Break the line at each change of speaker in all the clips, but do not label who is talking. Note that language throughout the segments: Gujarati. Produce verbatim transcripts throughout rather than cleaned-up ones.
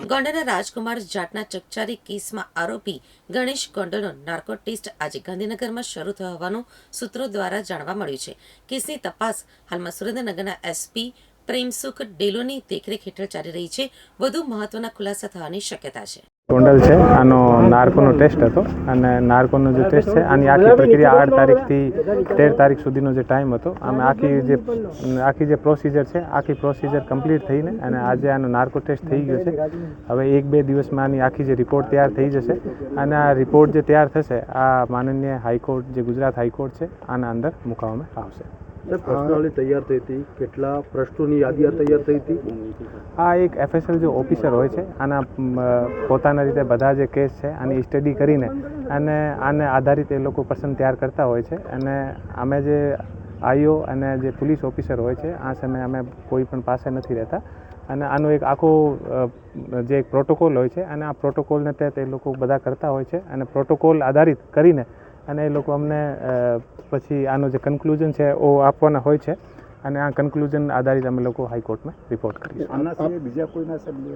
ગોંડલના રાજકુમાર જાટના ચકચારી કેસમાં આરોપી ગણેશ ગોંડલનો નાર્કો ટેસ્ટ આજે ગાંધીનગરમાં શરૂ થયો હોવાનું સૂત્રો દ્વારા જાણવા મળ્યું છે. કેસની તપાસ હાલમાં સુરેન્દ્રનગરના એસપી પ્રેમસુખ ડેલોની દેખરેખ હેઠળ ચાલી રહી છે. વધુ મહત્વના ખુલાસા થવાની શક્યતા છે.
ગોંડલ છે, આનો નાર્કોનો ટેસ્ટ હતો અને નાર્કોનો જે ટેસ્ટ છે આની આખી પ્રક્રિયા આઠ તારીખથી તેર તારીખ સુધીનો જે ટાઈમ હતો, આમે આખી જે આખી જે પ્રોસિજર છે આખી પ્રોસિજર કમ્પ્લીટ થઈને અને આજે આનો નાર્કો ટેસ્ટ થઈ ગયો છે. હવે એક બે દિવસમાં આની આખી જે રિપોર્ટ તૈયાર થઈ જશે અને આ રિપોર્ટ જે તૈયાર થશે આ માનનીય હાઈકોર્ટ જે ગુજરાત હાઈકોર્ટ છે આના અંદર મૂકવામાં આવશે.
પ્રશ્નાવલી તૈયાર થઈ હતી, કેટલા પ્રશ્નોની યાદી તૈયાર થઈ હતી.
આ એક એફએસએલ જે ઓફિસર હોય છે આના પોતાના રીતે બધા જે કેસ છે આની સ્ટડી કરીને અને આને આધારિત એ લોકો પસંદ તૈયાર કરતા હોય છે. અને અમે જે આઈઓ અને જે પોલીસ ઓફિસર હોય છે આ સમયે અમે કોઈ પણ પાસે નથી રહેતા અને આનો એક આખો જે એક પ્રોટોકોલ હોય છે અને આ પ્રોટોકોલને તહેત એ લોકો બધા કરતા હોય છે અને પ્રોટોકોલ આધારિત કરીને અને એ લોકો અમને પછી આનો જે કન્ક્લુઝન છે એ આપવાના હોય છે અને આ કન્ક્લુઝન આધારિત અમે લોકો હાઈકોર્ટમાં રિપોર્ટ કરીશું.
બીજા કોઈના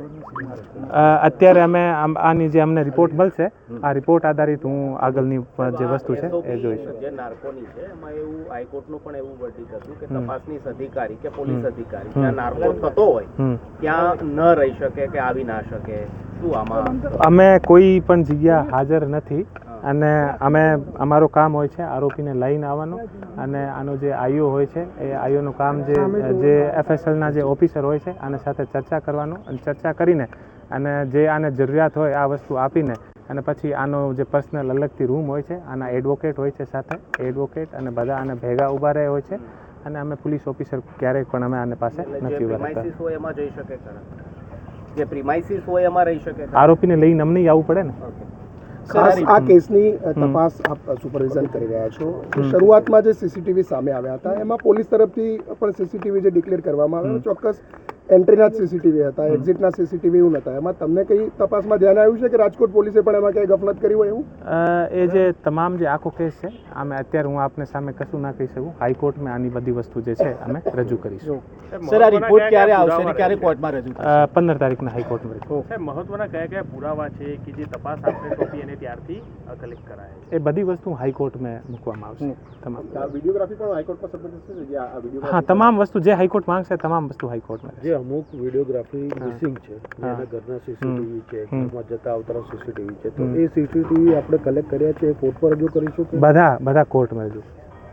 અત્યારે અમે આની જે અમને રિપોર્ટ મળશે આ રિપોર્ટ આધારિત હું આગળની જે વસ્તુ છે એ જોઈશું.
જે નાર્કોની છે એમાં એવું હાઈકોર્ટનું પણ એવું વર્ડિક્ટ હતું કે તપાસનીશ અધિકારી કે પોલીસ અધિકારી જ્યાં નાર્કો થતો હોય ત્યાં ન રહી શકે કે આવી ના શકે. શું આમાં
અમે કોઈ પણ જગ્યા હાજર નથી અને અમે અમારું કામ હોય છે આરોપીને લઈને આવવાનું અને આનો જે આઈઓ હોય છે એ આઈઓનું કામ જે જે એફએસએલના જે ઓફિસર હોય છે આને સાથે ચર્ચા કરવાનું અને ચર્ચા કરીને અને જે આને જરૂરિયાત હોય આ વસ્તુ આપીને અને પછી આનો જે પર્સનલ અલગથી રૂમ હોય છે આના એડવોકેટ હોય છે સાથે એડવોકેટ અને બધા આને ભેગા ઊભા રહે હોય છે અને અમે પોલીસ ઓફિસર ક્યારેક પણ અમે આને પાસે નથી ઊભા રહેતા.
એમાં જઈ શકે જે પ્રિમાઇસીસ હોય એમાં રહી શકે.
આરોપીને લઈને અમને આવવું પડે ને.
ખાસ આ કેસની તપાસ આપ સુપરવિઝન કરી રહ્યા છો. શરૂઆતમાં જે સીસીટીવી સામે આવ્યા હતા એમાં પોલીસ તરફથી પણ સીસીટીવી જે ડિક્લેર કરવામાં આવ્યા ચોક્કસ એન્ટ્રીના જ સીસીટીવી હતા, એક્ઝિટના સીસીટીવી એવું નહોતા. એમાં તમને કઈ તપાસમાં ધ્યાન આવ્યું છે કે રાજકોટ પોલીસે પણ એમાં કઈ ગફલત કરી હોય એવું?
એ જે તમામ જે આખો કેસ છે આમે અત્યારે હું આપને સામે કશું ના કહી શકું. હાઈકોર્ટમાં આની બધી વસ્તુ જે છે અમે રજૂ કરીશું.
સર, આ રિપોર્ટ ક્યારે આવશે અને ક્યારે કોર્ટમાં રજૂ થશે?
પંદર તારીખના હાઈકોર્ટમાં રજૂ.
સાહેબ, મહત્વના કયા કયા પુરાવા છે કે જે તપાસ આપણે સોંપી અને ત્યારથી કલેક્ટ કરાય?
એ બધી વસ્તુ હાઈકોર્ટમાં મૂકવામાં આવશે. તમામ
વિડીયોગ્રાફી પણ હાઈકોર્ટમાં સબમિટ થશે જે આ વિડીયો.
હા, તમામ વસ્તુ જે હાઈકોર્ટ માંગશે તમામ વસ્તુ હાઈકોર્ટમાં.
જે અમુક વિડીયોગ્રાફી મિસિંગ છે, એના ઘરના સીસીટીવી છે, ઘરમાં જતા આવતા સીસીટીવી છે, તો એ સીસીટીવી આપણે કલેક્ટ કર્યા છે એ કોર્ટ પર રજૂ કરીશું.
બધા બધા કોર્ટમાં રજૂ.